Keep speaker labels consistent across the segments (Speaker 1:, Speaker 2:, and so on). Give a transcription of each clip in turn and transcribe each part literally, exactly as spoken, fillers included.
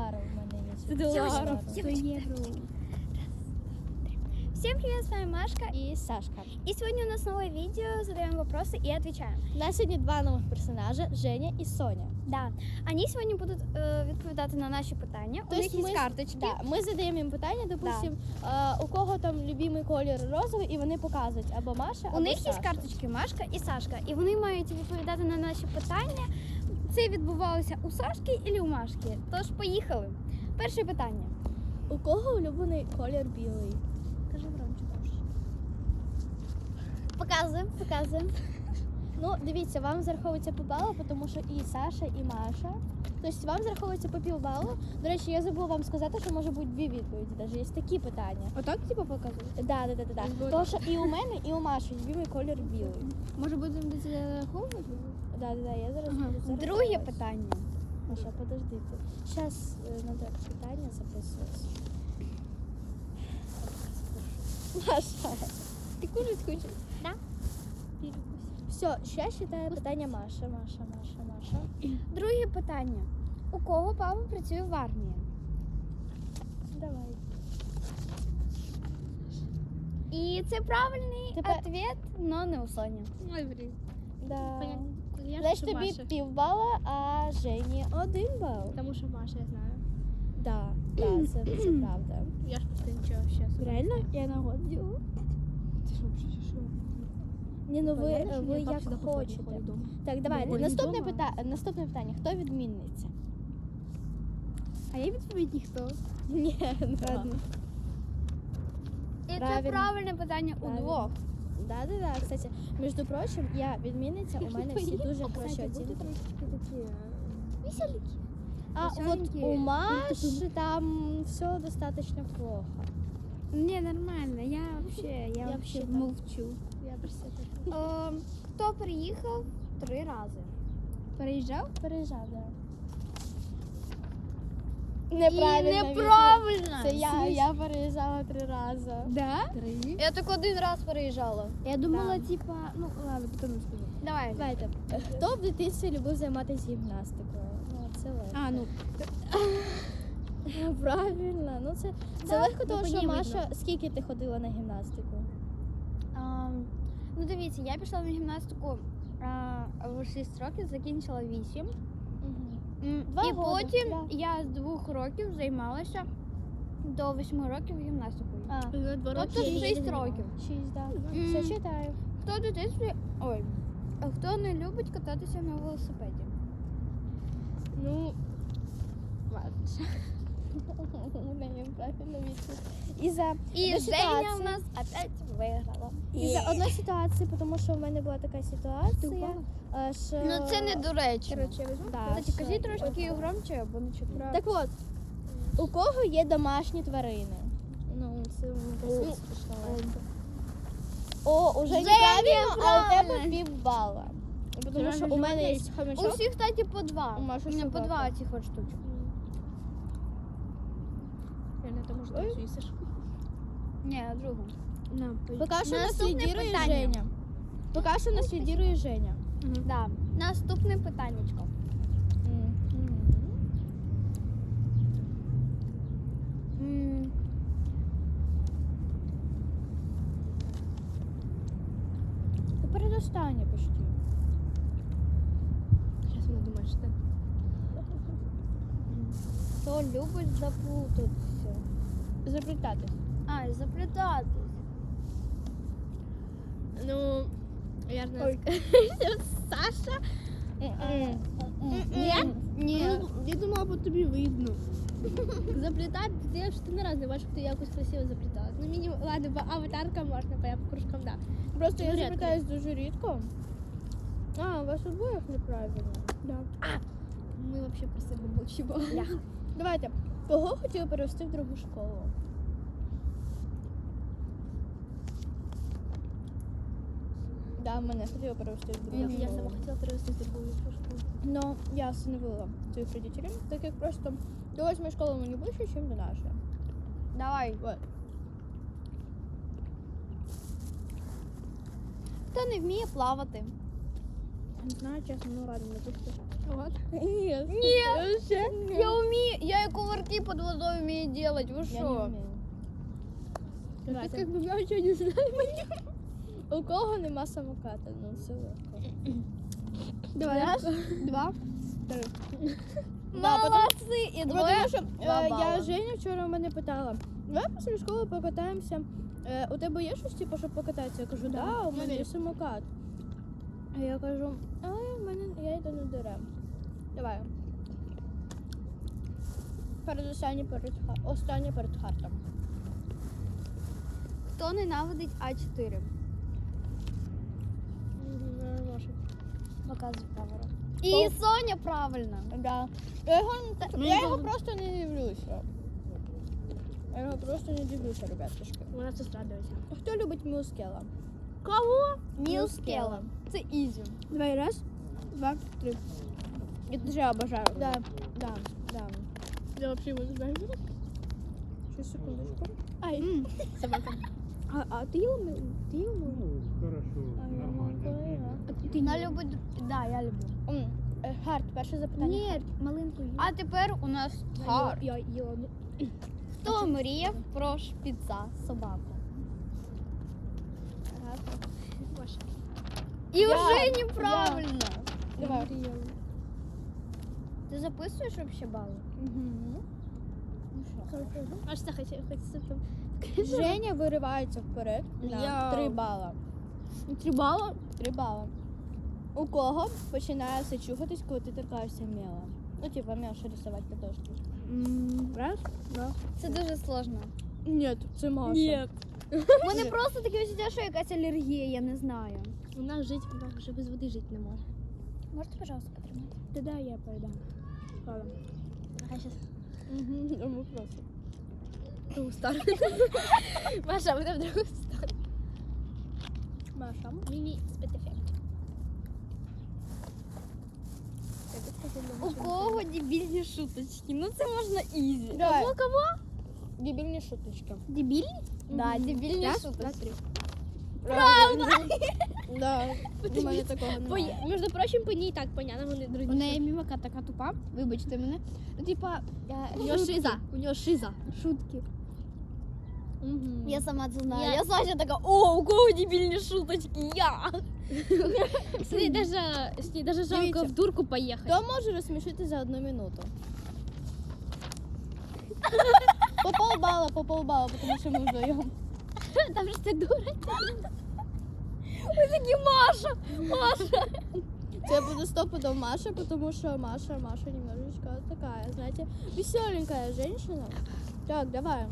Speaker 1: доларів у мене є.
Speaker 2: Доларів.
Speaker 1: сто євро.
Speaker 2: Всем привет, с вами Машка.
Speaker 1: І Сашка.
Speaker 2: И сегодня у нас новое видео, задаем вопросы и отвечаем.
Speaker 1: У нас сьогодні два нових персонажа, Женя і Соня.
Speaker 2: Да, они сегодня будут э, відповідати на наші питання. У них є
Speaker 1: ми,
Speaker 2: карточки.
Speaker 1: Да, ми задаємо їм питання, допустим, е, у кого там любимий колір розовий, і вони показують або Маша, або
Speaker 2: У них
Speaker 1: Саша.
Speaker 2: є карточки Машка і Сашка, і вони мають відповідати на наші питання. Це відбувалося у Сашки і у Машки. Тож поїхали. Перше питання.
Speaker 1: У кого улюблений колір білий?
Speaker 2: Кажи громче трошки. Показуємо, показуємо.
Speaker 1: Ну, дивіться, вам зараховується по балу, тому що і Саша, і Маша. Тобто вам зараховується по півбалу. До речі, я забула вам сказати, що може бути дві відповіді. Навіть є такі питання.
Speaker 2: Отак типу показують?
Speaker 1: Так, да, да, да, да. Тому що і у мене, і у Маші любимий колір білий.
Speaker 2: Може будемо до цього зараховувати?
Speaker 1: Да, да, да, я зараз
Speaker 2: Ага.
Speaker 1: буду зараховувати.
Speaker 2: Друге питання.
Speaker 1: Маша, подождите. Сейчас надо питання записувати. Маша.
Speaker 2: Ти кушать хочеш? Да.
Speaker 1: Все, сейчас читаю питання Маша, Маша, Маша, Маша.
Speaker 2: Друге питання. У кого папа працює в армії?
Speaker 1: Давай.
Speaker 2: І це правильний
Speaker 1: Тепер-
Speaker 2: відповідь, але не у Соні.
Speaker 3: Ой, блін.
Speaker 1: Да.
Speaker 3: Я
Speaker 1: Значить,
Speaker 3: що
Speaker 1: тобі
Speaker 3: Маша.
Speaker 1: півбала, а Жені один бал.
Speaker 3: Тому що Маша, я знаю.
Speaker 1: Да, да, це, це правда.
Speaker 3: Я ж просто нічого зараз.
Speaker 1: Реально? Я на год ділю.
Speaker 3: Ти що, взагалі, що?
Speaker 1: Ні, ну ви,
Speaker 3: Понятно, що
Speaker 1: ви
Speaker 3: я пап
Speaker 1: як
Speaker 3: сюди
Speaker 1: хочете.
Speaker 3: походить дома.
Speaker 1: Так, давайте.
Speaker 3: Ну,
Speaker 1: Наступне,
Speaker 3: дома.
Speaker 1: пита... Наступне питання. Хто відмінниця?
Speaker 3: А я відповідь ніхто.
Speaker 1: Ні, ладно.
Speaker 2: І це
Speaker 1: Правильно.
Speaker 2: правильне питання у
Speaker 1: Правильно.
Speaker 2: двох.
Speaker 1: Да, да, да. Кстати, між прочим, я відмінниця, у мене всі дуже хороші оцінки.
Speaker 3: такі
Speaker 2: Веселіки.
Speaker 1: А от
Speaker 2: веселенькі.
Speaker 1: у Маші там все достаточно плохо.
Speaker 2: Ні, нормально. Я взагалі, я,
Speaker 1: Я
Speaker 2: вообще
Speaker 1: вообще так.
Speaker 2: мовчу.
Speaker 3: Я просто так.
Speaker 2: Е, Хто приїхав три рази?
Speaker 3: Переїжджав?
Speaker 1: Переїжджав, да.
Speaker 2: І
Speaker 1: Неправильно.
Speaker 2: неправильно.
Speaker 1: Це я, я переїжджала три рази.
Speaker 3: Да? Три.
Speaker 2: Я так один раз переїжджала.
Speaker 3: Я думала, типа, ну ладно, потім скажу.
Speaker 2: Давай.
Speaker 1: Давайте. Хто в дитинстві любив займатися гімнастикою? Ну, це легко.
Speaker 3: А, ну,
Speaker 1: Правильно. Ну це, це
Speaker 2: Да,
Speaker 1: легко,
Speaker 3: ну,
Speaker 1: тому
Speaker 3: по
Speaker 1: що
Speaker 3: ній
Speaker 1: Маша,
Speaker 3: видно.
Speaker 1: скільки ти ходила на гімнастику?
Speaker 2: А, ну дивіться, я пішла на гімнастику а, в шість років, закінчила вісім. М,
Speaker 1: Два
Speaker 2: І
Speaker 1: года,
Speaker 2: потім
Speaker 1: да.
Speaker 2: я з двох років займалася до восьми років гімнастикою.
Speaker 1: А,
Speaker 3: два
Speaker 2: Тобто
Speaker 3: роки.
Speaker 2: шість років.
Speaker 1: шість, да.
Speaker 2: М.
Speaker 1: Все читаю.
Speaker 2: Хто в дитинстві. Ой. А хто не любить кататися на велосипеді?
Speaker 3: Ну, ладно.
Speaker 1: Даємо правильну відповідь. І за
Speaker 2: І
Speaker 1: одну
Speaker 2: Женя
Speaker 1: ситуацію-
Speaker 2: у нас опять виграла.
Speaker 1: І за одну ситуацію, тому що в мене була така ситуація,
Speaker 3: впала?
Speaker 1: е, що...
Speaker 2: Ну це не доречно.
Speaker 3: Коротше, я візьму.
Speaker 1: Да,
Speaker 2: Кстати,
Speaker 1: що-
Speaker 2: кажіть трошки громче, бо не чути.
Speaker 1: Так от, у кого є домашні тварини? Ну, це
Speaker 3: Ну,
Speaker 1: смішно. О, уже
Speaker 2: Женя,
Speaker 1: неправильно, а у тебе
Speaker 2: правильно.
Speaker 1: півбала. Тому
Speaker 3: Реально
Speaker 1: що у мене є
Speaker 3: животне
Speaker 2: У
Speaker 1: хомячок.
Speaker 2: всіх, кстати, по два.
Speaker 1: У Маші
Speaker 2: У мене по
Speaker 1: собака.
Speaker 2: два цих от штучок.
Speaker 3: Реально, тому що
Speaker 1: Ой.
Speaker 3: ти звісиш.
Speaker 2: Ні, другу.
Speaker 3: На,
Speaker 1: Поки що нас
Speaker 2: Наступне
Speaker 1: лідирує
Speaker 2: питання.
Speaker 1: Женя. Поки що нас лідирує Женя.
Speaker 2: Да. Наступне питаннячко. М,
Speaker 1: Ти передостання почти.
Speaker 3: Зараз вона думає, що ти.
Speaker 2: Хто любить заплутатися?
Speaker 1: Заплітати.
Speaker 2: А, заплітатись.
Speaker 3: Ну, я знаю. Саша?
Speaker 1: Ні?
Speaker 2: Ні.
Speaker 3: Ну, я думала, по тобі видно. Заплітати, ти що ти не раз не бачиш, ти якось красиво заплітала. Ну, мінімум, ладно, по аватаркам можна, по, по кружкам, да.
Speaker 1: Просто я
Speaker 3: Ну, рідко.
Speaker 1: заплітаюсь дуже рідко. А, у вас обоїх неправильно.
Speaker 3: Да. Ми взагалі про себе мовчимо.
Speaker 1: Давайте. Кого хотіли перевести в другу школу? Да, мене хотіли перевести в другу
Speaker 3: Я, я
Speaker 1: школу.
Speaker 3: сама хотіла перевести з другої школи.
Speaker 1: Но я остановила своих родителей, так как просто до восьмой школы мы не ближе, чем до нашей.
Speaker 2: Давай.
Speaker 1: Вот.
Speaker 2: Хто не вміє плавати?
Speaker 3: Не знаю, чесно, ну ладно, не пусти. Вот.
Speaker 1: Нет.
Speaker 2: Ні. Я вмію. Я як увер... шашлыки под водой умеет делать, вы
Speaker 1: Я не
Speaker 2: что?
Speaker 1: вмію.
Speaker 3: Как
Speaker 1: Давайте.
Speaker 3: бы я ничего не знаю.
Speaker 1: У кого нема самоката? Ну, все легко.
Speaker 3: Давай.
Speaker 1: Раз, два, три.
Speaker 2: Молодцы! И
Speaker 1: Бо
Speaker 2: двое.
Speaker 1: Тому що
Speaker 2: два
Speaker 1: е,
Speaker 2: бала.
Speaker 1: я Женя вчора мене питала, давай після школи покатаємося. Е, у тебе є щось, типу, щоб покататися? Я кажу, да, у мене є самокат. А я кажу, але в мене я йду на дерев. Давай. Передостаннє перед ха- останнє перед хартом.
Speaker 2: Хто ненавидить А чотири? Показуй камеру. І
Speaker 1: О.
Speaker 2: Соня правильно.
Speaker 1: Да. Я його, не та-
Speaker 2: Ну,
Speaker 1: я
Speaker 2: ну,
Speaker 1: його
Speaker 2: ну.
Speaker 1: просто не дивлюся. Я його просто не дивлюся, ребятушки.
Speaker 3: Вона сестра дивиться.
Speaker 1: Хто любить мюзкела?
Speaker 3: Кого?
Speaker 2: Мілскела. Це ізі.
Speaker 3: Давай, раз, два, три.
Speaker 1: Я дуже обожаю. Да, да, да.
Speaker 3: Я вообще его не знаю.
Speaker 1: Сейчас, секундочку.
Speaker 3: Ай, собака. А, а ты ел? Ты ел?
Speaker 4: Ну, хорошо,
Speaker 1: А я
Speaker 4: нормально.
Speaker 1: могла.
Speaker 3: А ты, ты
Speaker 2: Вона
Speaker 3: не
Speaker 2: любить. Да, я люблю.
Speaker 1: М, е, Гард, перше запитання.
Speaker 3: Нет, малинку ел.
Speaker 2: А тепер у нас
Speaker 1: Гард.
Speaker 3: Я ела.
Speaker 2: хто мріяв про шпіца собаку?
Speaker 3: Ваша.
Speaker 2: І
Speaker 1: Я.
Speaker 2: вже неправильно.
Speaker 1: Давай.
Speaker 2: Ти записуєш вообще бали?
Speaker 1: Угу.
Speaker 3: А что хотел? Хочется там.
Speaker 1: Женя виривається вперед на
Speaker 3: Я.
Speaker 1: три бала.
Speaker 3: Три балла?
Speaker 1: Три бала. У кого починає все чухатись, коли ти торкаєшся мела? Ну, типа, мел, що рисувати картошки.
Speaker 3: Раз, два.
Speaker 2: Це дуже сложно.
Speaker 1: Ні, це Маша.
Speaker 3: Нет.
Speaker 2: У мене просто таке відчуття, що якась алергія, я не знаю.
Speaker 3: У нас жить, вона вже без води жити не може.
Speaker 2: Можете, пожалуйста, потримати?
Speaker 3: Да, да, я передам. Ладно. А сейчас
Speaker 1: Угу, тому просто.
Speaker 3: в другую сторону. Маша, мы в другую сторону.
Speaker 1: Маша.
Speaker 3: Мини спецэффект.
Speaker 2: У кого дебільні шуточки? Ну це можна ізі.
Speaker 1: Давай.
Speaker 3: Кого, кого?
Speaker 1: Дебільні шуточки.
Speaker 3: Дебильный?
Speaker 2: Да, дебільні
Speaker 3: Раз, два,
Speaker 2: шуточки.
Speaker 3: три.
Speaker 1: Правда? Да. У мене такого немає.
Speaker 3: По- Между прочим, по ней и так понятно, вони друзі.
Speaker 2: У неї мімика така тупа, вибачте мене. Ну, типа,
Speaker 3: У нее шиза. У нее шиза.
Speaker 2: шутки.
Speaker 1: Угу.
Speaker 2: Я сама це знаю.
Speaker 3: Я-
Speaker 2: Я Саша така, о, у кого дебільні шуточки? Я.
Speaker 3: С ней даже, с ней даже жалко
Speaker 1: Дивіться.
Speaker 3: в дурку поехать.
Speaker 1: Хто може розсмішити за одну минуту? По полбала, по полбала, тому що ми вдвоєм.
Speaker 3: Там же ты дура.
Speaker 2: Ви такі Маша. Маша.
Speaker 1: Це буде стопудов Маша, потому что Маша, Маша немножечко такая, знаете, веселенькая женщина. Так, давай.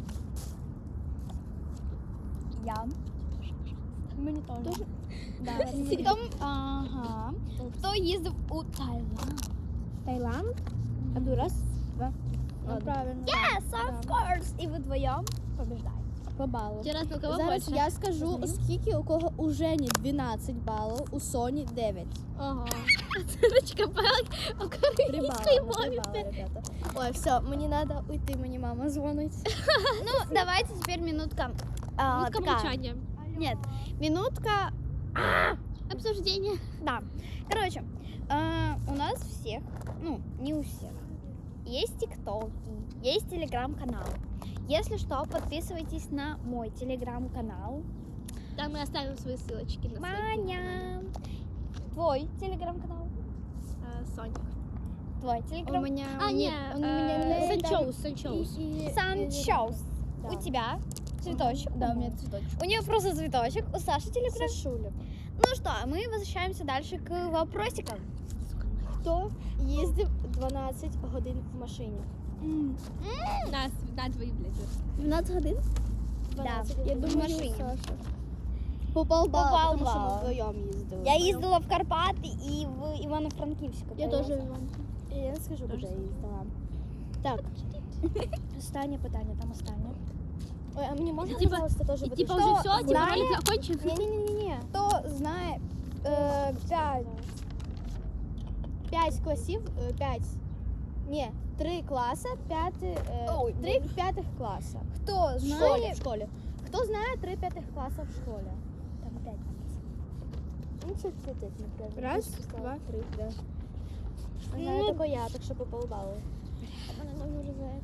Speaker 2: Я.
Speaker 1: Мені теж. Да,
Speaker 2: Хто, ага. Хто їздив у Таїланд?
Speaker 3: Таиланд?
Speaker 1: А ду раз, два. Ну,
Speaker 3: Ладно.
Speaker 1: правильно.
Speaker 2: Yes, of course. І ви вдвоєм побіждаєте.
Speaker 1: По балу.
Speaker 3: Тебе раз, ну кого
Speaker 1: Зараз
Speaker 3: больше?
Speaker 1: я скажу, скільки у кого у Жені дванадцять балів, у Соні дев'ять.
Speaker 3: Ага. Оценочка по
Speaker 1: Три
Speaker 3: украинской
Speaker 1: бали, на три
Speaker 3: мове.
Speaker 1: бали, ребята. Ой, все, мені треба уйти, мені мама дзвонить.
Speaker 2: Ну, давайте теперь минутка. а,
Speaker 3: Минутка
Speaker 2: такая.
Speaker 3: молчания.
Speaker 2: Нет, минутка.
Speaker 3: Обсуждение.
Speaker 2: Да. Короче, э, у нас всех, ну, не у всех, есть тиктоки, есть телеграм-канал. Если что, подписывайтесь на мой телеграм-канал.
Speaker 3: Там мы оставим свои ссылочки на
Speaker 2: Маня. Твой телеграм-канал.
Speaker 3: сайт. Соня.
Speaker 2: Твой
Speaker 1: У
Speaker 2: телеграм.
Speaker 1: мене...
Speaker 3: А, не,
Speaker 1: у мене
Speaker 3: э,
Speaker 1: Лейда
Speaker 3: Санчоус, Санчоус.
Speaker 1: і- і-
Speaker 2: Санчоус.
Speaker 1: Да.
Speaker 2: У тебя цветочек.
Speaker 1: Да, у меня цветочек.
Speaker 2: У нее просто цветочек. У Саши телеграм.
Speaker 1: Сашуля.
Speaker 2: Ну что, мы возвращаемся дальше к вопросикам.
Speaker 1: Хто їздив дванадцять годин в машині?
Speaker 3: На, на твои, блядь.
Speaker 1: дванадцять годин?
Speaker 2: дванадцять
Speaker 1: Я
Speaker 2: годин в
Speaker 1: думаю,
Speaker 2: машині.
Speaker 1: Саша. По полбала,
Speaker 2: По
Speaker 1: тому що ми
Speaker 2: полбала.
Speaker 1: вдвоєм їздили.
Speaker 2: Я їздила в Карпати і в Івано-Франківську.
Speaker 3: Я
Speaker 2: поїхала.
Speaker 3: тоже Иван.
Speaker 1: Я не скажу, куди я їздила. Так, останнє питання, там останнє. Ой, а мені можна,
Speaker 3: І типа-
Speaker 1: пожалуйста, теж
Speaker 3: И
Speaker 1: бути?
Speaker 3: типа
Speaker 1: Хто
Speaker 3: уже все, типа
Speaker 1: знає-
Speaker 3: ролик закончен.
Speaker 1: Ні-ні-ні-ні. Хто знає е, п'ять, п'ять класів, е, п'ять, ні, три класи, п'яти, е,
Speaker 2: Ой,
Speaker 1: три п'ятих класа.
Speaker 2: Хто
Speaker 1: В школі,
Speaker 2: знає?
Speaker 1: в школі. Хто знає три п'ятих класа в школі? Там п'ять класів. Ну, це це це не треба.
Speaker 3: Раз,
Speaker 1: Я сказала
Speaker 3: два.
Speaker 1: три, да.
Speaker 2: Ну,
Speaker 1: Знаю тільки я, так що по полбалу. Так,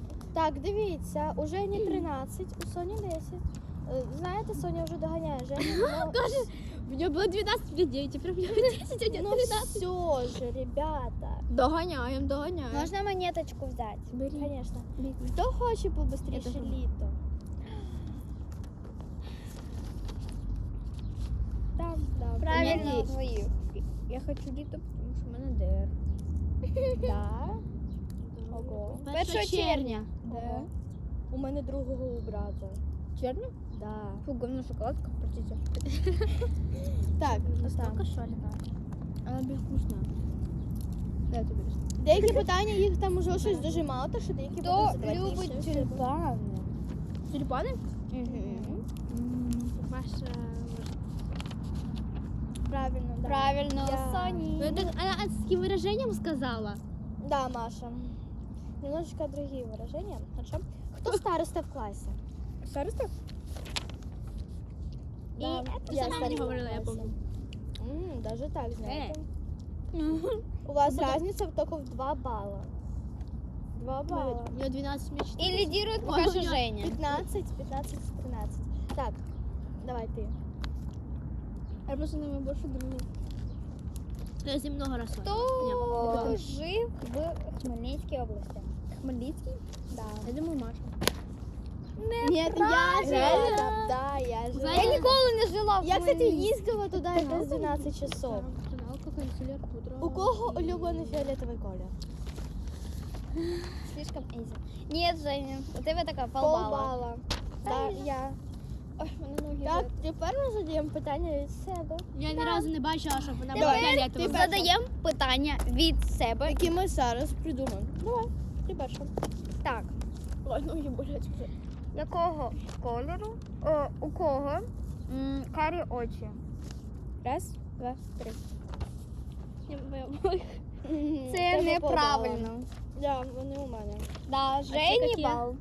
Speaker 1: Так, дивіться, у Жені тринадцять, у Соні десять. Е, Знаєте, Соня вже доганяє Женю. Ну,
Speaker 3: У меня было двенадцать людей, теперь у меня десять, а у
Speaker 1: ну все же, ребята.
Speaker 3: Догоняем, догоняем.
Speaker 2: Можно монеточку взять?
Speaker 3: Бери.
Speaker 1: Конечно. Хто хоче побыстріше
Speaker 3: Я теж.
Speaker 1: літо? Там, да.
Speaker 2: Правильно,
Speaker 1: Ні,
Speaker 2: твою.
Speaker 3: Я хочу літо, тому що в мене ДР.
Speaker 1: Да. Ого.
Speaker 2: першого червня.
Speaker 1: Ого. У мене другого у брата.
Speaker 3: Черно?
Speaker 1: Да.
Speaker 3: Фу, говно шоколадка, простите.
Speaker 1: Так,
Speaker 3: Настолько
Speaker 1: там.
Speaker 3: шалена. Она безвкусная. Дай это берешь.
Speaker 1: Деякі питання їх там уже щось дуже мало, то що деякі
Speaker 2: Хто
Speaker 1: будуть складніші.
Speaker 2: любить тюльпани?
Speaker 3: Тюльпаны?
Speaker 2: Мгм.
Speaker 3: Маша, может.
Speaker 1: Правильно, да.
Speaker 2: Правильно,
Speaker 1: Я-
Speaker 3: Ну,
Speaker 2: Сони.
Speaker 3: это она с каким выражением сказала?
Speaker 1: Да, Маша. Немножечко другие выражения. Хорошо. Кто староста в классе?
Speaker 3: Староста?
Speaker 1: Да,
Speaker 2: это
Speaker 1: я
Speaker 3: сама
Speaker 1: староста
Speaker 3: не
Speaker 1: в
Speaker 3: говорила, я
Speaker 1: классе.
Speaker 3: помню.
Speaker 1: М, даже так, знаете.
Speaker 3: Э.
Speaker 1: У вас
Speaker 3: Ну, потом-
Speaker 1: разница только в два балла. Два балла.
Speaker 3: У нее двенадцать мечт.
Speaker 2: И лидирует пока
Speaker 3: Ой,
Speaker 2: что
Speaker 3: у меня
Speaker 2: Женя.
Speaker 1: пятнадцать, пятнадцать, тринадцать. Так, давай ты.
Speaker 3: Я просто на меня больше дружу. Я с ним много раз
Speaker 2: Кто
Speaker 3: слышала.
Speaker 2: жив в Хмельницкой области?
Speaker 1: Хмельницкий? Да.
Speaker 3: Я думаю, Маша.
Speaker 1: Нет, я же.
Speaker 2: правильно.
Speaker 1: Да, я же.
Speaker 3: Знаете,
Speaker 2: Я ніколи не жила в
Speaker 1: Я, кстати,
Speaker 2: Хмельницькому.
Speaker 1: їздила туди десь дванадцять часов.
Speaker 3: Каналка, канцелер, пудра.
Speaker 1: У кого улюблений фіолетовий колір?
Speaker 2: Слишком easy. Нет, Женя, у тебя такая полбала.
Speaker 1: Полбала. Да, я.
Speaker 2: Ой, мене ноги
Speaker 1: Так,
Speaker 2: болять.
Speaker 1: тепер ми задаємо питання від себе.
Speaker 3: Я ні разу не бачила, щоб вона
Speaker 1: Давай,
Speaker 3: була
Speaker 1: ти
Speaker 3: фіолетова.
Speaker 1: перша.
Speaker 2: Задаємо питання від себе.
Speaker 1: Які ми зараз придумаємо. Давай, ти перша.
Speaker 2: Так,
Speaker 1: Ой, ноги болять вже.
Speaker 2: якого кольору, о, у кого м, карі очі?
Speaker 1: Раз, два, три.
Speaker 2: Це
Speaker 1: Тебе
Speaker 2: неправильно.
Speaker 1: полбала. Да, вони у мене.
Speaker 2: Да, Жені
Speaker 3: які?
Speaker 2: бал.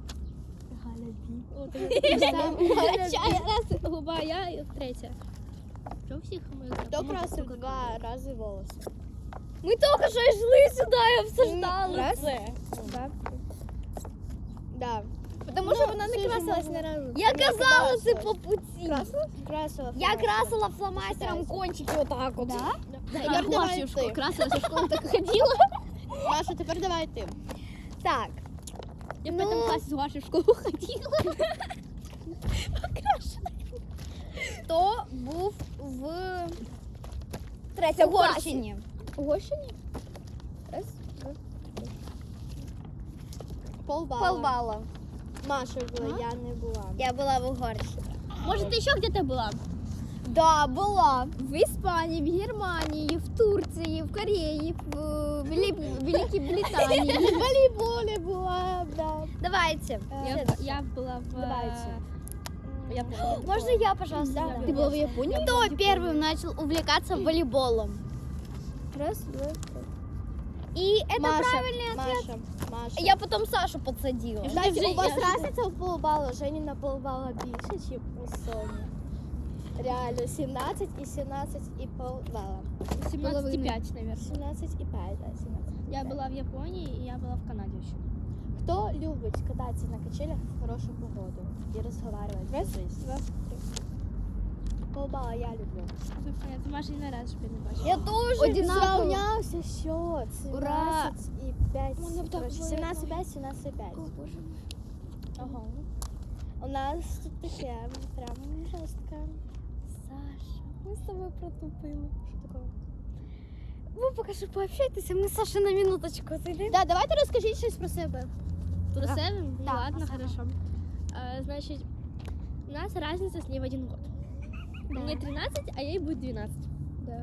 Speaker 3: Чай, раз, губа, я і третя. Що у всіх ми
Speaker 1: Хто красив два рази волоси?
Speaker 2: Ми тільки що йшли сюди і обсуждали
Speaker 1: Раз.
Speaker 2: це.
Speaker 1: Да. Да.
Speaker 2: Тому що вона не красилась
Speaker 1: не разу.
Speaker 2: Я казала це по путі.
Speaker 1: Красила? Красила.
Speaker 2: Я
Speaker 1: фломастером.
Speaker 2: красила фломастером кончики отак от.
Speaker 3: Да,
Speaker 1: Тепер
Speaker 3: я
Speaker 1: давай
Speaker 3: в школу
Speaker 1: ти.
Speaker 3: красилась, в школу так ходила.
Speaker 1: Маша, тепер давай ти.
Speaker 2: Так,
Speaker 3: Я в
Speaker 2: Ну.
Speaker 3: пятом классе с вашей в школу ходила.
Speaker 2: хто був в Третьогорщині?
Speaker 1: Угощені? Раз, два, три. Полбала.
Speaker 2: Полбала.
Speaker 1: Маша була, я не була.
Speaker 2: Я була в Угорщині.
Speaker 3: Может, ты еще где-то была?
Speaker 2: Да, була.
Speaker 3: В Испании, в Германии, в Турции, в Корее, в Вели- Великой Британии.
Speaker 1: В волейболі була, да.
Speaker 2: Давайте.
Speaker 3: Я, я была в...
Speaker 1: Давайте.
Speaker 3: Я помню.
Speaker 2: Можно я, пожалуйста?
Speaker 1: Да,
Speaker 2: задам?
Speaker 3: Ты была в Японии?
Speaker 2: Кто первым начал увлекаться волейболом?
Speaker 1: Раз, два, три.
Speaker 2: И это
Speaker 1: Маша,
Speaker 2: правильный ответ.
Speaker 1: Маша, Маша.
Speaker 2: Я потом Сашу подсадила.
Speaker 3: Я
Speaker 1: Знаєте,
Speaker 3: вже-
Speaker 1: у вас
Speaker 3: я-
Speaker 1: разниця в полбала. Жені на полбала більше, ніж у Соні. Реально, сімнадцять і сімнадцять і полбала.
Speaker 3: семнадцать и пять, наверное.
Speaker 1: сімнадцять і п'ять, да, сімнадцять. і
Speaker 3: Я
Speaker 1: п'ять.
Speaker 3: была в Японии, и я была в Канаде еще.
Speaker 1: Хто любить кататися на качелях в хорошу погоду і розговаривати? Раз, два, три. Полбала я люблю.
Speaker 3: Ты Маша не раз чтобы не бачила.
Speaker 2: Я тоже.
Speaker 1: Одинаково. Зрівнявся счет.
Speaker 2: Ура!
Speaker 1: сімнадцять і п'ять.
Speaker 3: Мене так
Speaker 1: Коротше,
Speaker 3: болить.
Speaker 1: сімнадцять і п'ять, сімнадцять і п'ять. Ага. У нас тут таке прям жорстко.
Speaker 2: Саша, мы с тобой протупили.
Speaker 1: Що такого?
Speaker 2: Вы пока что пообщайтесь, а мы с Сашей на минуточку зайдем.
Speaker 1: Да, давайте розкажіть щось про себе.
Speaker 3: Про
Speaker 2: Да.
Speaker 3: себя? Ну
Speaker 2: Да,
Speaker 3: ладно,
Speaker 2: ага.
Speaker 3: хорошо. А, значит, у нас разница с ней в один год. Мне тринадцать, а ей будет двенадцать.
Speaker 1: Да.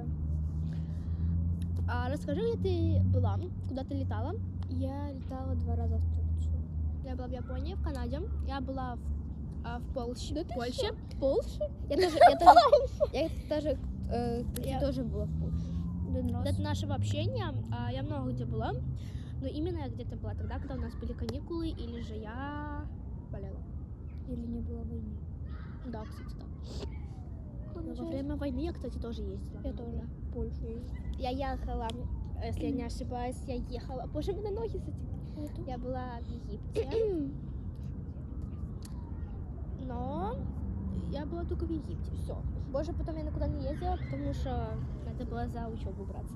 Speaker 3: А расскажи, где ты была, куда ты летала?
Speaker 1: Я літала два рази в Турцію.
Speaker 3: Я была в Японии, в Канаде. Я была в, а, в Польше.
Speaker 1: Да ты
Speaker 3: Польше.
Speaker 1: Польща?
Speaker 3: Я тоже, я тоже, я тоже,
Speaker 2: Э,
Speaker 3: ты
Speaker 2: я-
Speaker 3: тоже была в Польше. До нашего общения а, я много где была, но именно я где-то была тогда, когда у нас были каникулы, или же я болела.
Speaker 2: Или не было войны?
Speaker 3: Да, кстати, да. Но во время войны я, кстати, тоже ездила.
Speaker 1: Я тоже.
Speaker 3: В Польшу. Я ехала, если я не ошибаюсь, я ехала. Боже, у меня ноги затекли. Я была в Египте, только в Египте. Все. Больше потом я никуда не ездила, потому что надо было за учебу браться.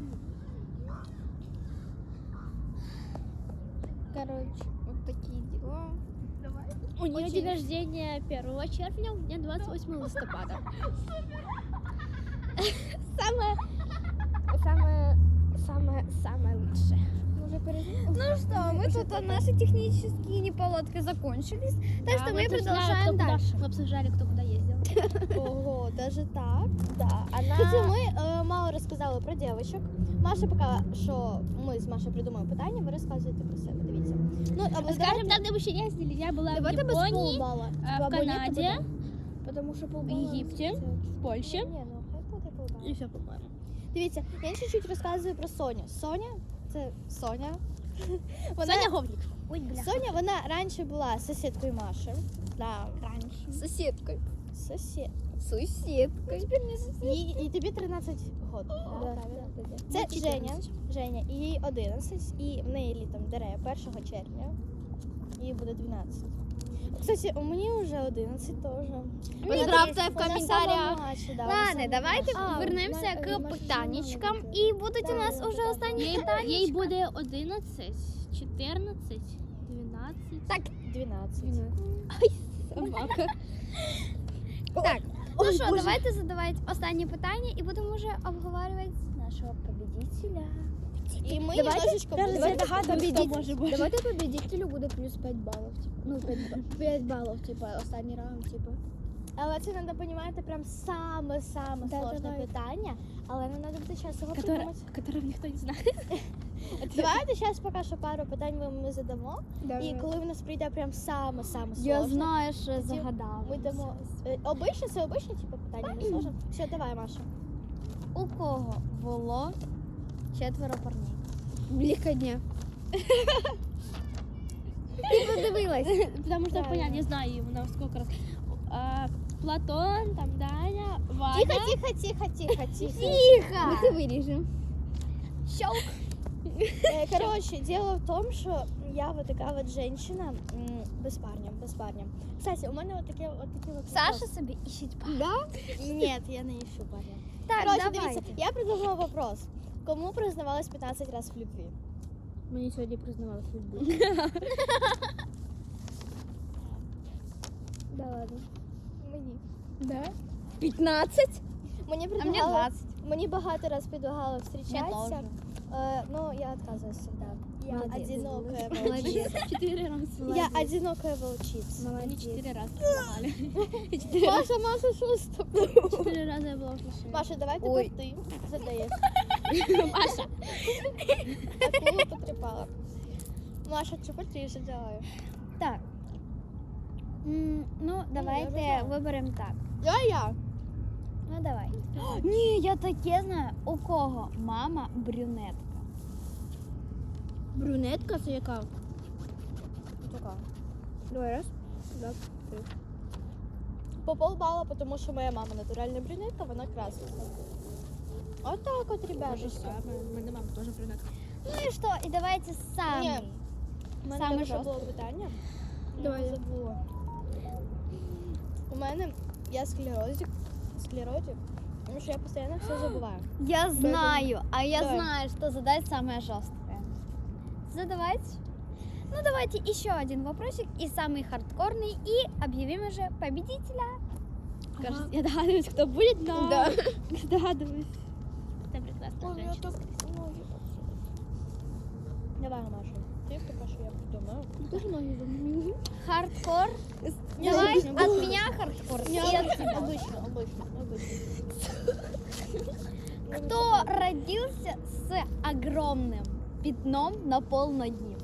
Speaker 2: Короче, вот такие дела.
Speaker 3: У нее
Speaker 2: Очень-
Speaker 3: день рождения первого червня, у меня двадцать восьмого листопада. Самое, самое, самое, самое лучшее.
Speaker 2: Ну что, мы тут а, наши технические неполадки закончились, так что мы продолжаем дальше.
Speaker 3: Мы обсуждали, кто куда ездил.
Speaker 1: Ого, даже так.
Speaker 2: Да, она...
Speaker 1: Кстати, ми е, мало розказали про дівчинок. Маша поки що ми з Машою придумаємо питання, ви розказуєте про себе. Дивіться. Ну, або
Speaker 3: Скажем так, где мы еще ездили, я была в
Speaker 1: давайте без
Speaker 3: Японии,
Speaker 1: полбала.
Speaker 3: а, в
Speaker 1: Або ні, то
Speaker 3: Канаде,
Speaker 1: буде. Тому що
Speaker 3: в
Speaker 1: полбала.
Speaker 3: Египте,
Speaker 1: це-
Speaker 3: в Польше.
Speaker 1: Ні, ну хай буде полбала.
Speaker 3: И все, по-моему.
Speaker 1: Дивіться, я чуть-чуть розказую про Соню. Соня, це Соня. Вона,
Speaker 3: Соня Говник.
Speaker 2: Ой, бля.
Speaker 1: Соня, вона раніше була сусідкою Маші. Да,
Speaker 2: Раньше. Соседкой.
Speaker 1: сусід.
Speaker 2: Соседкой. Теперь не соседкой.
Speaker 1: Їй, і тобі тринадцять років. Да, правильно? Це
Speaker 3: Ну,
Speaker 1: Женя.
Speaker 3: чотирнадцять.
Speaker 1: Женя, і їй одинадцять, і в неї літом дере першого червня. Їй буде дванадцять. Кстати, у мені вже одинадцять теж.
Speaker 2: Поздравьте в комментариях. Ладно, давайте
Speaker 1: А,
Speaker 2: вернемося
Speaker 1: Ма-
Speaker 2: к
Speaker 1: Маша
Speaker 2: питаннячкам.
Speaker 1: маленька.
Speaker 2: І будуть у
Speaker 1: Да,
Speaker 2: нас
Speaker 1: да,
Speaker 2: уже
Speaker 1: да.
Speaker 2: останні
Speaker 3: Ей, ей
Speaker 2: питання.
Speaker 3: буде одинадцять, чотирнадцять, дванадцять.
Speaker 2: Так,
Speaker 1: дванадцять.
Speaker 3: Собака.
Speaker 2: так. Ну
Speaker 1: Ой,
Speaker 2: що,
Speaker 1: Боже.
Speaker 2: давайте задавати останні питання і будемо вже обговорювати нашого победителя.
Speaker 1: І ми
Speaker 2: Давайте-
Speaker 1: немножечко
Speaker 3: Даже
Speaker 1: будемо-
Speaker 3: догадуюсь, хто може бути.
Speaker 2: Давайте победителю буде плюс п'ять балів. Ну, п'ять балів, типу, останній раунд, типу.
Speaker 1: Але це треба розуміти прям саме-саме
Speaker 2: Да,
Speaker 1: сложне
Speaker 2: давай.
Speaker 1: питання. Але нам треба буде час його
Speaker 3: Которое,
Speaker 1: придумати.
Speaker 3: которого ніхто не знає.
Speaker 1: Давайте зараз поки що пару питань ми, ми задамо. І коли в нас прийде прям саме-саме сложне,
Speaker 2: Я знаю, що
Speaker 1: Тоді
Speaker 2: загадала.
Speaker 1: ми дамо... Е, Обичне, це обичне типу питання, не сложне. Все, давай, Маша.
Speaker 2: У кого було четверо парней?
Speaker 3: Бліка дня.
Speaker 2: Ти подивилась?
Speaker 3: Потому что,
Speaker 1: Правильно.
Speaker 3: понятно, я знаю его на сколько раз. А, Платон, там Даня, Ваня.
Speaker 1: Тихо, тихо, тихо, тихо, тихо.
Speaker 2: Тихо!
Speaker 3: Це виріжемо.
Speaker 2: Щелк!
Speaker 1: Е, Коротше, дело в тому, що я вот така вот женщина м, без парня, без парня. Кстати, у мене от таке от такі от
Speaker 2: Саша собі іщить парня.
Speaker 1: Да? Ні, я не ищу парня.
Speaker 2: Так,
Speaker 1: Короче,
Speaker 2: давайте.
Speaker 1: дивіться, я придумала вопрос. Кому признавалась пятнадцать раз в любви?
Speaker 3: Мені сьогодні признавалась в любви.
Speaker 1: Да ладно. Мені.
Speaker 3: Да? п'ятнадцять?
Speaker 1: Мені
Speaker 2: А мені
Speaker 1: предлагали,
Speaker 2: двадцять.
Speaker 1: мені багато раз предлагали
Speaker 2: Мне
Speaker 1: встречаться.
Speaker 2: тоже.
Speaker 1: Э, но я отказываюсь всегда. Я
Speaker 2: Молодец.
Speaker 1: одинокая
Speaker 2: Молодец.
Speaker 1: волчица.
Speaker 3: Чотири рази.
Speaker 1: Я одинокая волчица.
Speaker 3: Мені чотири рази предлагали. Чотири рази-
Speaker 1: Маша, Маша, что с тобой?
Speaker 3: Чотири рази я була в машині.
Speaker 1: Маша, давай
Speaker 2: Ой.
Speaker 1: тепер ти задаєш.
Speaker 3: Маша.
Speaker 1: Акулу потрепала. Маша, тепер ти задавай.
Speaker 2: Так. М, Ну,
Speaker 1: я
Speaker 2: давайте
Speaker 1: знаю.
Speaker 2: виберемо так.
Speaker 1: Давай я.
Speaker 2: Ну, давай. Ні, я таке знаю. У кого мама брюнетка?
Speaker 3: Брюнетка це яка?
Speaker 1: Така.
Speaker 3: Давай раз. Два.
Speaker 1: По полбала, потому что моя мама натуральная брюнетка, вона красивая. Вот так вот, ребята.
Speaker 3: Те же саме. У мене мама теж брюнетка.
Speaker 2: Ну і що? І давайте самий.
Speaker 1: Ні. У мене
Speaker 2: Саме
Speaker 1: там ще
Speaker 2: жорстке.
Speaker 1: було питання.
Speaker 3: Давай.
Speaker 1: Я забула. У мене я склерозик. Склеротик. Тому що я постійно все забуваю.
Speaker 2: Я знаю, а я
Speaker 1: Давай.
Speaker 2: знаю, что задать самое жесткое. Задавайте. Ну, давайте еще один вопросик, и самый хардкорный, и объявим уже победителя.
Speaker 3: Кажется, я догадуюсь, хто буде, но...
Speaker 1: Да.
Speaker 3: Догадуюсь. Це прекрасна
Speaker 1: Ой, я
Speaker 3: женщина.
Speaker 1: так ноги подсунули. Давай, Маша. Ти поки що я придумаю.
Speaker 3: Дуже ноги замінили.
Speaker 2: Хардкор.
Speaker 1: Не,
Speaker 2: Давай
Speaker 1: обычно.
Speaker 2: от меня хардкор.
Speaker 1: Не,
Speaker 2: и от
Speaker 1: обычно,
Speaker 2: тебя.
Speaker 1: обычно, обычно, обычно.
Speaker 2: Кто родился с огромным пятном на полнодним?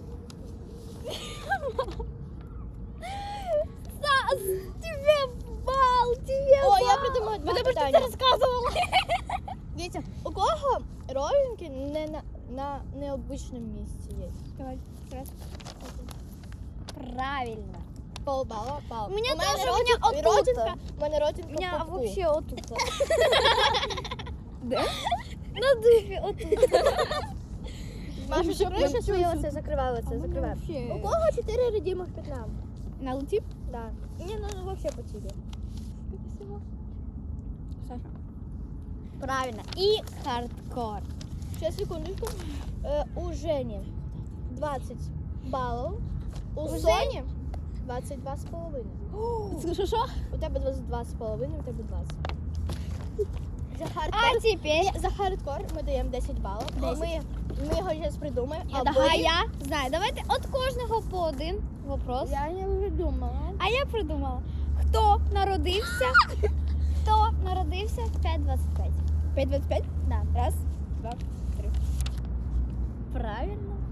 Speaker 2: Стас, тебе бал, тебе
Speaker 1: О,
Speaker 2: бал.
Speaker 1: я придумала два
Speaker 2: Потому что
Speaker 1: питання.
Speaker 2: ты рассказывала.
Speaker 1: Дивіться, у кого родинки не на, на необычному місці є?
Speaker 2: Давай, раз. Правильно.
Speaker 1: Полбала, пал.
Speaker 2: У меня тоже,
Speaker 1: родин-
Speaker 2: у меня отут.
Speaker 1: родинка, у мене родинка
Speaker 2: У меня
Speaker 1: в пупку.
Speaker 2: вообще вот тут. Да? На дыхе вот тут.
Speaker 1: Маша,
Speaker 3: Вообще
Speaker 1: закрий ще
Speaker 3: прям
Speaker 1: своє
Speaker 3: чуть-чуть.
Speaker 1: оце, закривай оце, закривай.
Speaker 3: вообще-
Speaker 1: У кого чотири родимих пятна?
Speaker 3: На луті?
Speaker 1: Да. Ні, ну, ну вообще по тебе.
Speaker 2: кого?
Speaker 1: Саша.
Speaker 2: Правильно. И хардкор.
Speaker 1: Сейчас, секундочку. Е, у Жені двадцять балів. У,
Speaker 2: У
Speaker 1: Соні двадцять два з половиною.
Speaker 3: Що, що?
Speaker 1: У тебе двадцять два з половиною, у тебе двадцять. За хардкор,
Speaker 2: А теперь...
Speaker 1: Ні, за хардкор ми даємо десять балів.
Speaker 2: десять.
Speaker 1: Ми, ми його зараз придумаємо.
Speaker 2: Я,
Speaker 1: або
Speaker 2: а
Speaker 1: ні.
Speaker 2: я знаю. Давайте от кожного по один вопрос.
Speaker 1: Я не придумала.
Speaker 2: А я придумала. Хто народився? Хто народився в п'ять двадцять п'ять?
Speaker 1: п'ять двадцять п'ять?
Speaker 2: Да.
Speaker 1: Раз, два, три.
Speaker 2: Правильно.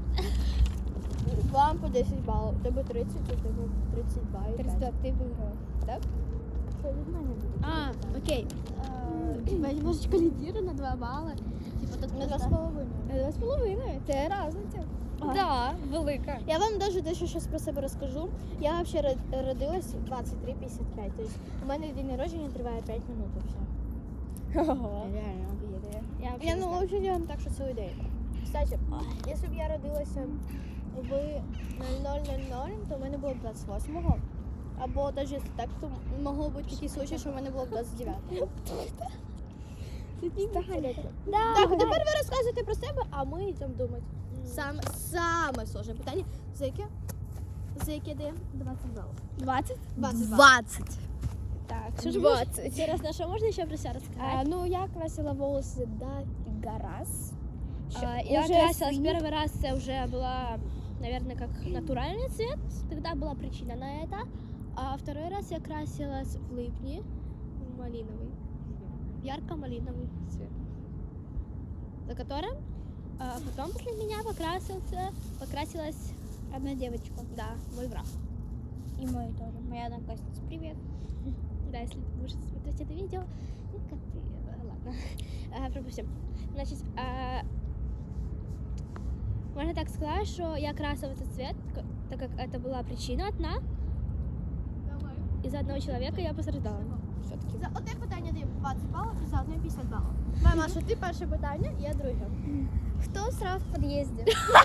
Speaker 1: Вам по десять балів. У тебе тридцять, у тебе тридцять два і п'ять.
Speaker 2: ти виграла.
Speaker 1: Так? Що від мене буде?
Speaker 3: А, окей. Типа немножечко лидирую на два балла. Типа тут
Speaker 1: На два з
Speaker 3: просто...
Speaker 1: половиною.
Speaker 3: Два з половиною. Це різниця.
Speaker 2: Да, велика.
Speaker 1: Я вам даже дещо щось про себе розкажу. Я взагалі родилась двадцять три п'ятдесят п'ять. Тобто у мене день народження триває п'ять минут і все.
Speaker 2: Реально обідає. Я,
Speaker 1: Я ну взагалі делаем так, що цілий день. Кстати, якщо б я родилася в нуль ноль нуль нуль, то в мене було б двадцять восьмого. Або навіть якщо так, то могло бути такий случай, що в мене було б двадцять дев'ятого.
Speaker 2: Да,
Speaker 1: Так, тепер ви розказуєте про себе, а ми йдемо думати. Саме, саме сложне питання. За яке? За яке даємо? двадцять балів.
Speaker 3: двадцять?
Speaker 1: двадцять балів.
Speaker 2: двадцать.
Speaker 3: Так, що ж
Speaker 1: двадцять.
Speaker 3: Інтересно, що можна ще про себе розказати?
Speaker 2: А, ну, я красила волосы до раз.
Speaker 3: А, я красилась первый раз, це вже була, наверное, как натуральный цвет. Тогда была причина на это. А второй раз я красилась в липне, в малиновый, ярко-малиновый цвет. За которым а потом после меня покрасился, покрасилась одна девочка. Да, мой враг.
Speaker 2: И мой тоже. Моя одноклассница. Привет.
Speaker 3: Да, если ты будешь смотреть это видео, ну как ты, э, ладно, а, пропустим. Значит, а, можно так сказать, что я красила этот цвет, к- так как это была причина одна. Из-за одного человека я пострадала. Все-таки.
Speaker 1: За одне питання даємо двадцять балів і за одне п'ятдесят балів. Давай, Маша, ти перше питання, я друге.
Speaker 2: Кто срал в подъезде?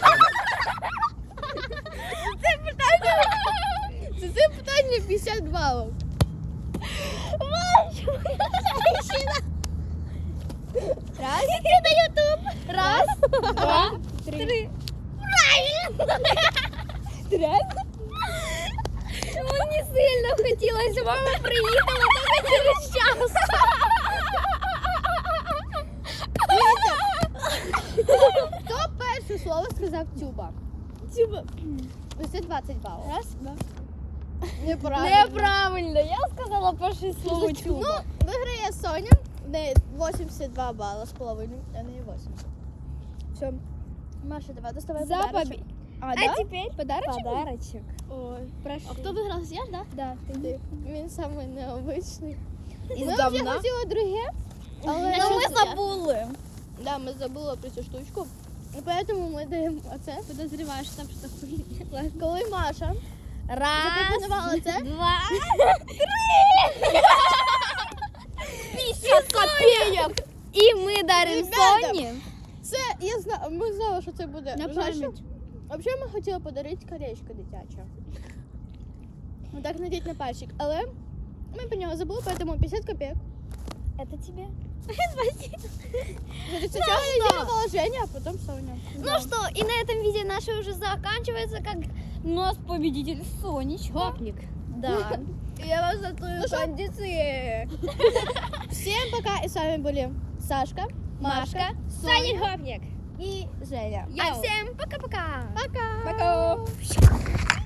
Speaker 1: За це питання п'ятдесят балів.
Speaker 2: Раз. Иди на YouTube. Раз, два, три. Правильно.
Speaker 1: Реально?
Speaker 2: Ну, не сильно хотілося. Мама приїхала только через час.
Speaker 1: Хто перше слово сказав тюба?
Speaker 3: Тюба.
Speaker 1: Ось це двадцять балів.
Speaker 3: Раз, два.
Speaker 1: Неправильно.
Speaker 2: Неправильно. Я сказала перше слово
Speaker 1: Ну,
Speaker 2: чуба.
Speaker 1: виграє Соня. В неї вісімдесят два бали з половиною, а не вісімдесят. Все. Маша, давай доставай
Speaker 2: За
Speaker 1: подарочок.
Speaker 2: победу.
Speaker 1: А,
Speaker 2: А
Speaker 1: да?
Speaker 2: теперь
Speaker 3: Подарочек?
Speaker 2: подарочек.
Speaker 3: Ой.
Speaker 2: Прошу.
Speaker 3: А кто выиграл? Я, да?
Speaker 2: Да, ты.
Speaker 1: Ти. Він самий необичний.
Speaker 2: Із
Speaker 1: Ми вже
Speaker 2: говна?
Speaker 1: хотіли друге, але
Speaker 2: Ну, ми
Speaker 1: щось-
Speaker 2: забули.
Speaker 1: Да, ми забули про цю штучку. І поэтому ми даємо оце.
Speaker 3: Подозреваю, что там что-то хуйня.
Speaker 1: Коли Маша
Speaker 2: Раз,
Speaker 1: запропонувала це,
Speaker 2: два,
Speaker 1: п'ятдесят копійок.
Speaker 2: і ми даримо
Speaker 1: Ребята,
Speaker 2: Соні.
Speaker 1: Це, я знаю, ми знали, що це буде.
Speaker 3: На
Speaker 1: Знаєш,
Speaker 3: пам'ять.
Speaker 1: Взагалі ми хотіли подарити колечко дитяче. Ну так надіть на пальчик. Але ми про нього забули, поэтому п'ятдесят копійок.
Speaker 2: Это тебе.
Speaker 1: Значит, сначала я делала Женя, а потом Соня.
Speaker 2: Ну что, и на этом видео наше уже заканчивается, как у нас победитель Сонечка.
Speaker 3: Гопник.
Speaker 2: Да. Я вас готовлю
Speaker 1: Ну что?
Speaker 2: кондиции.
Speaker 1: Всем пока, и с вами были Сашка, Машка,
Speaker 2: Машка,
Speaker 1: Соня
Speaker 3: Саня Гопник.
Speaker 1: и Женя.
Speaker 2: А всем пока-пока.
Speaker 1: Пока!
Speaker 2: Пока.